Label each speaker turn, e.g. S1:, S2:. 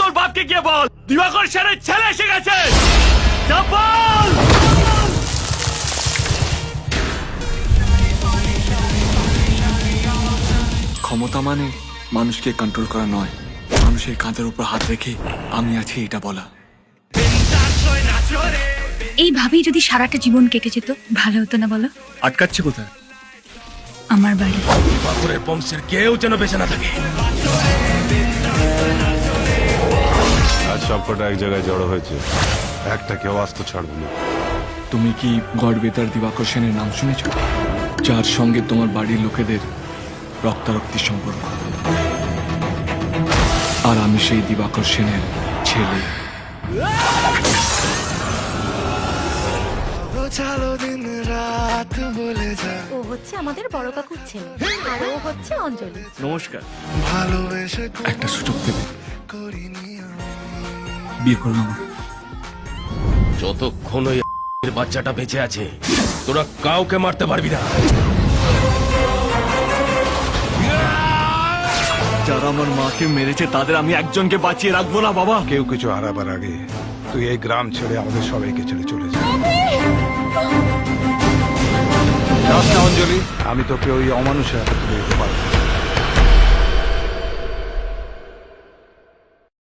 S1: তোর বাপকে গিয়ে বল দিবাকর সেনের ছেলে এসে গেছে। যা বল।
S2: ক্ষমতা মানে মানুষকে কন্ট্রোল করা নয়, মানুষের কাঁধের উপর হাত রেখে আমি আছি এটা বলা।
S3: এইভাবেই যদি সারাটা জীবন কেটে যেত ভালো হতো না বলো?
S1: আটকাচ্ছে কোথায়?
S3: আমার বাড়ি।
S1: দিবাকরের বংশের কেউ যেন বেঁচে না থাকে।
S4: আজ সবকটা এক জায়গায় জড়ো হয়েছে, একটা কেউ আস্ত ছাড়বে না।
S2: তুমি কি গড় বেতার দিবাকর সেনের নাম শুনেছ? যার সঙ্গে তোমার বাড়ির লোকেদের রক্তারক্তির সম্পর্ক। আর আমি সেই দিবাকর সেনের ছেলে।
S5: ও হচ্ছে আমাদের বড় কাকুর ছেলে আর ও হচ্ছে অঞ্জলি।
S1: নমস্কার।
S2: একটা সুযোগ দেবে, বিয়ে করবো আমার।
S1: যতক্ষণ ওই বাচ্চাটা বেঁচে আছে তোরা কাউকে মারতে পারবি না। যারা আমার মাকে মেরেছে তাদের আমি একজনকে বাঁচিয়ে রাখবো না বাবা।
S4: কেউ কিছু হারাবার আগে তুই এই গ্রাম ছেড়ে আমাদের সবাইকে ছেড়ে চলে যা। যাস না অঞ্জলি, আমি তোকে ওই অমানুষের হাতে তুলে দিতে পারবো।